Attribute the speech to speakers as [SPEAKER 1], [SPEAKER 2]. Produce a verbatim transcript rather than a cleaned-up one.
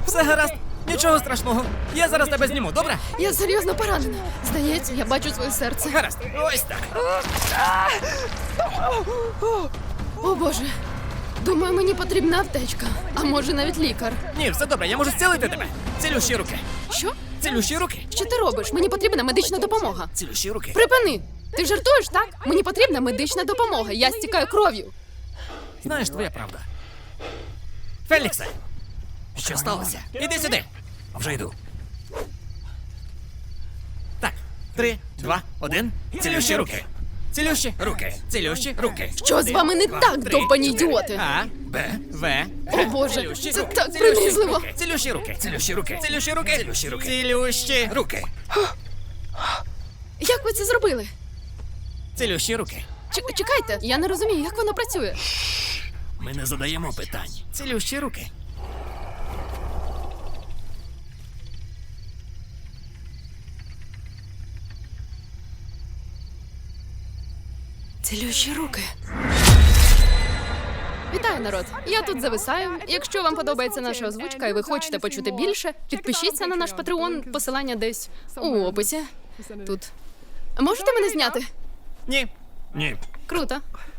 [SPEAKER 1] Все гаразд. Нічого страшного. Я зараз тебе зніму, добре?
[SPEAKER 2] Я серйозно поранена. Здається, я бачу своє серце.
[SPEAKER 1] Гаразд. Ось так.
[SPEAKER 2] О, Боже. Думаю, мені потрібна аптечка. А може навіть лікар.
[SPEAKER 1] Ні, все добре, я можу зцілити тебе. Цілющі руки.
[SPEAKER 2] Що?
[SPEAKER 1] Цілющі руки.
[SPEAKER 2] Що ти робиш? Мені потрібна медична допомога.
[SPEAKER 1] Цілющі руки.
[SPEAKER 2] Припини! Ти жартуєш, так? Мені потрібна медична допомога. Я стікаю кров'ю.
[SPEAKER 1] Знаєш, твоя правда. Феліксе! Що сталося? Іди сюди. Вже йду. Так, три, два, один. Цілющі руки. Цілющі руки. Цілющі руки.
[SPEAKER 2] Що з вами не
[SPEAKER 1] Два,
[SPEAKER 2] так,
[SPEAKER 1] три,
[SPEAKER 2] довбані
[SPEAKER 1] чотири.
[SPEAKER 2] ідіоти?
[SPEAKER 1] А, Б, В.
[SPEAKER 2] О, Боже,
[SPEAKER 1] Цілющі
[SPEAKER 2] це
[SPEAKER 1] руки.
[SPEAKER 2] так
[SPEAKER 1] Цілющі
[SPEAKER 2] принизливо.
[SPEAKER 1] руки. Цілющі руки. Цілющі руки. Цілющі руки. Цілющі руки. Цілющі руки.
[SPEAKER 2] Як ви це зробили?
[SPEAKER 1] Цілющі руки.
[SPEAKER 2] Ч- чекайте, я не розумію, як воно працює.
[SPEAKER 1] Ми не задаємо питань. Цілющі руки.
[SPEAKER 2] Цілющі руки. Вітаю, народ! Я тут зависаю. Якщо вам подобається наша озвучка і ви хочете почути більше, підпишіться на наш Патреон, посилання десь у описі. Тут. Можете мене зняти?
[SPEAKER 1] Ні. Ні.
[SPEAKER 2] Круто.